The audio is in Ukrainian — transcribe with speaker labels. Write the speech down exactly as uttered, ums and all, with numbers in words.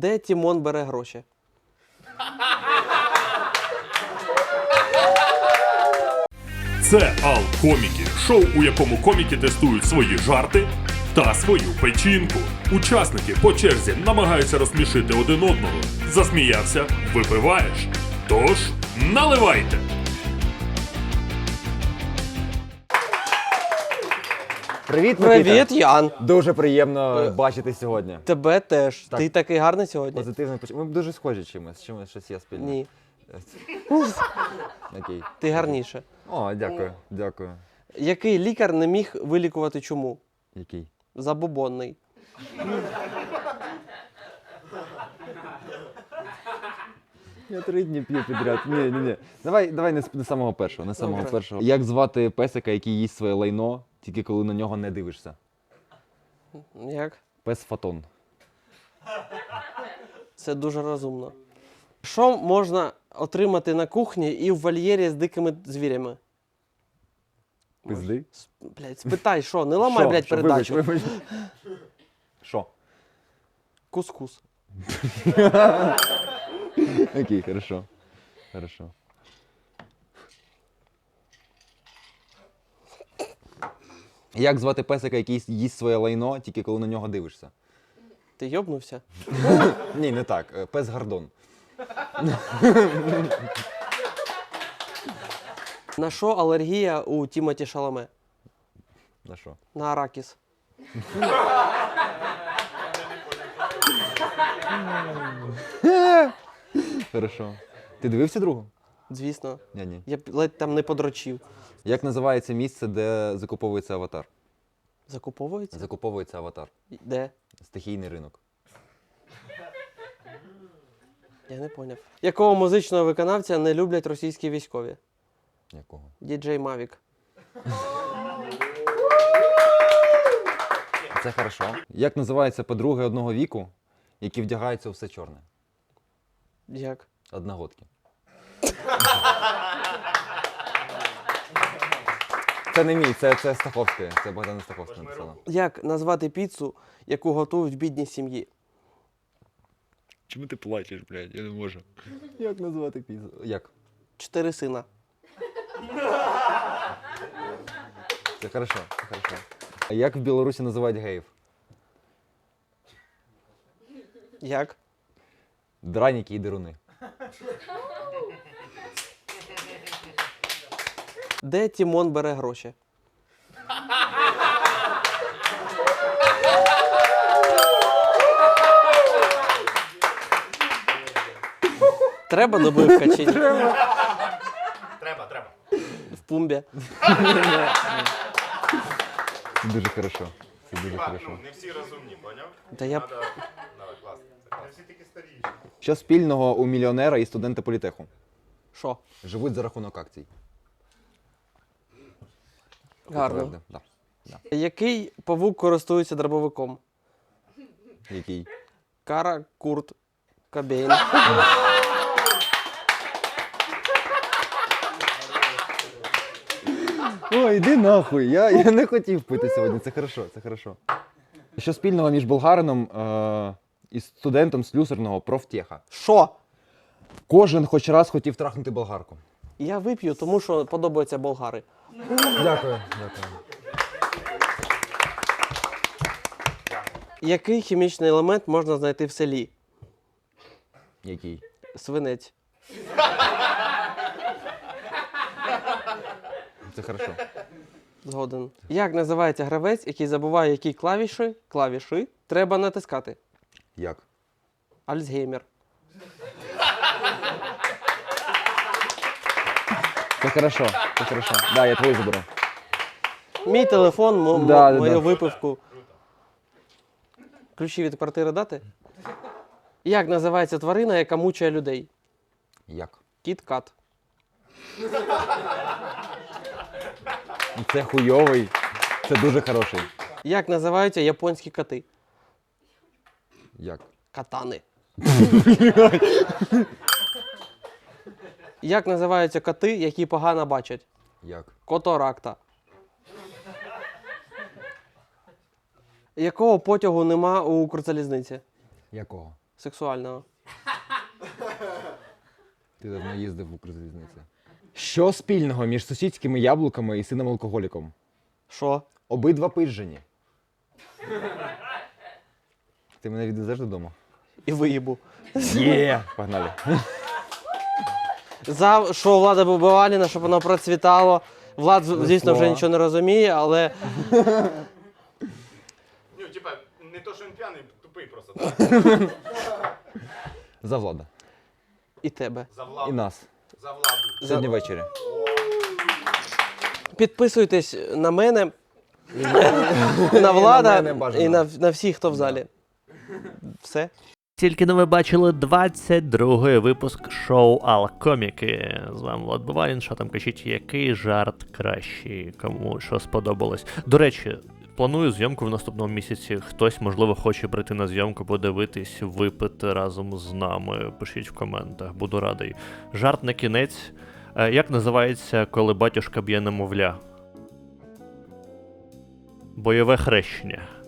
Speaker 1: Де Тімон бере гроші?
Speaker 2: Це Ал-Коміки, шоу, у якому коміки тестують свої жарти та свою печінку. Учасники по черзі намагаються розсмішити один одного. Засміявся – випиваєш. Тож, наливайте!
Speaker 3: Привіт, Микита.
Speaker 1: Привіт, Ян.
Speaker 3: Дуже приємно
Speaker 1: Е,
Speaker 3: бачити сьогодні.
Speaker 1: Тебе теж.
Speaker 3: Так.
Speaker 1: Ти такий гарний сьогодні?
Speaker 3: Позитивно поч... Ми дуже схожі чимось, чимось щось є спільне.
Speaker 1: Ні.
Speaker 3: Окей.
Speaker 1: Ти гарніше.
Speaker 3: О, дякую, дякую.
Speaker 1: Який лікар не міг вилікувати чуму?
Speaker 3: Який?
Speaker 1: Забобонний.
Speaker 3: Я три дні п'ю підряд. Ні, ні, ні. Давай, давай не з не з самого першого, не з самого
Speaker 1: Добре.
Speaker 3: першого. Як звати песика, який їсть своє лайно, тільки коли на нього не дивишся?
Speaker 1: Як?
Speaker 3: Пес Фотон.
Speaker 1: Це дуже розумно. Що можна отримати на кухні і в вольєрі з дикими звірями?
Speaker 3: Пизди?
Speaker 1: С- Блядь, спитай, що? Не ламай,
Speaker 3: Що?
Speaker 1: блядь,
Speaker 3: Що?
Speaker 1: передачу.
Speaker 3: Вибач, вибач. Що?
Speaker 1: Кускус.
Speaker 3: Окей, хорошо. Хорошо. Як звати песика, який їсть своє лайно, тільки коли на нього дивишся?
Speaker 1: Ти йобнувся?
Speaker 3: Ні, не так. Е, Пес Гордон.
Speaker 1: На що алергія у Тімоті Шаламе?
Speaker 3: На що?
Speaker 1: На аракіс.
Speaker 3: Хорошо. Ти дивився другу?
Speaker 1: Звісно.
Speaker 3: Ні, ні.
Speaker 1: Я б ледь там не подрочив.
Speaker 3: Як називається місце, де закуповується аватар?
Speaker 1: Закуповується?
Speaker 3: Закуповується аватар.
Speaker 1: Де?
Speaker 3: Стихійний ринок.
Speaker 1: Я не поняв. Якого музичного виконавця не люблять російські військові?
Speaker 3: Якого?
Speaker 1: Діджей Мавік.
Speaker 3: Це хорошо. Як називаються подруги одного віку, які вдягаються у все чорне?
Speaker 1: Як?
Speaker 3: Одногодки. Це не мій, це, це Стаховська. Це Богдана Стаховська написала.
Speaker 1: Як назвати піцу, яку готують в бідній сім'ї?
Speaker 4: Чому ти плачеш, блядь? Я не можу.
Speaker 3: Як назвати піцу? Як?
Speaker 1: Чотири сина.
Speaker 3: Це хорошо, це хорошо. А як в Білорусі називають геїв?
Speaker 1: Як?
Speaker 3: Драніки і деруни.
Speaker 1: Де Тімон бере гроші? Треба добивка чи ні?
Speaker 2: Треба, треба.
Speaker 1: В пумбі.
Speaker 3: Це дуже хорошо. Це дуже хорошо.
Speaker 2: Не всі розумні, поняв?
Speaker 1: Та я б-
Speaker 2: Давай, класно. Не всі такі старіші.
Speaker 3: Що спільного у мільйонера і студента політеху?
Speaker 1: Що?
Speaker 3: Живуть за рахунок акцій.
Speaker 1: Гарно.
Speaker 3: Правда? Да. Да.
Speaker 1: Який павук користується дробовиком?
Speaker 3: Який?
Speaker 1: Кара, Курт, Кобейн.
Speaker 3: Ой, іди нахуй, я, я не хотів пити сьогодні, це хорошо, це хорошо. Що спільного між болгарином е- і студентом слюсарного профтеха?
Speaker 1: Що?
Speaker 3: Кожен хоч раз хотів трахнути болгарку.
Speaker 1: Я вип'ю, тому що подобаються болгари.
Speaker 3: Дякую, дякую.
Speaker 1: Який хімічний елемент можна знайти в селі?
Speaker 3: Який?
Speaker 1: Свинець.
Speaker 3: Це хорошо.
Speaker 1: Згоден. Як називається гравець, який забуває, які клавіші, клавіші треба натискати?
Speaker 3: Як?
Speaker 1: Альцгеймер.
Speaker 3: Це хорошо, це хорошо. Да, я твою заберу.
Speaker 1: Мій телефон, мо- мо-
Speaker 3: Да, да,
Speaker 1: мою
Speaker 3: да.
Speaker 1: випивку. Ключі від квартири дати? Як називається тварина, яка мучає людей?
Speaker 3: Як?
Speaker 1: Кіт-кат.
Speaker 3: Це хуйовий. Це дуже хороший.
Speaker 1: Як називаються японські коти?
Speaker 3: Як?
Speaker 1: Катани. Як називаються коти, які погано бачать?
Speaker 3: Як?
Speaker 1: Которакта. Якого потягу нема у Укрзалізниці?
Speaker 3: Якого?
Speaker 1: сексуального.
Speaker 3: Ти давно їздив в Укрзалізниці. Що спільного між сусідськими яблуками і сином алкоголіком?
Speaker 1: Що?
Speaker 3: Обидва пижжені. Ти мене відвезеш додому?
Speaker 1: І виїбу.
Speaker 3: Є! Погнали.
Speaker 1: За що влада Бабаліна, щоб воно процвітало. Влад, звісно, вже
Speaker 3: слова.
Speaker 1: нічого не розуміє, але
Speaker 5: Ну, типа, не то, що він п'яний, тупий просто. Так?
Speaker 3: За влада.
Speaker 1: і тебе.
Speaker 5: За
Speaker 3: І
Speaker 5: владу.
Speaker 3: нас.
Speaker 5: За владу.
Speaker 3: Сьогодні ввечері.
Speaker 1: Підписуйтесь на мене, на Влада
Speaker 3: мене бажано.
Speaker 1: і на, на всіх, хто в залі. Все.
Speaker 6: Тільки но ви бачили двадцять другий випуск шоу Алкоміки. З вами Влад Бувалін. Що там кажіть, який жарт кращий, кому що сподобалось. До речі, планую зйомку в наступному місяці. Хтось, можливо, хоче прийти на зйомку, подивитись, випити разом з нами. Пишіть в коментах, буду радий. Жарт на кінець. Е, Як називається, коли батюшка б'є немовля? Бойове хрещення.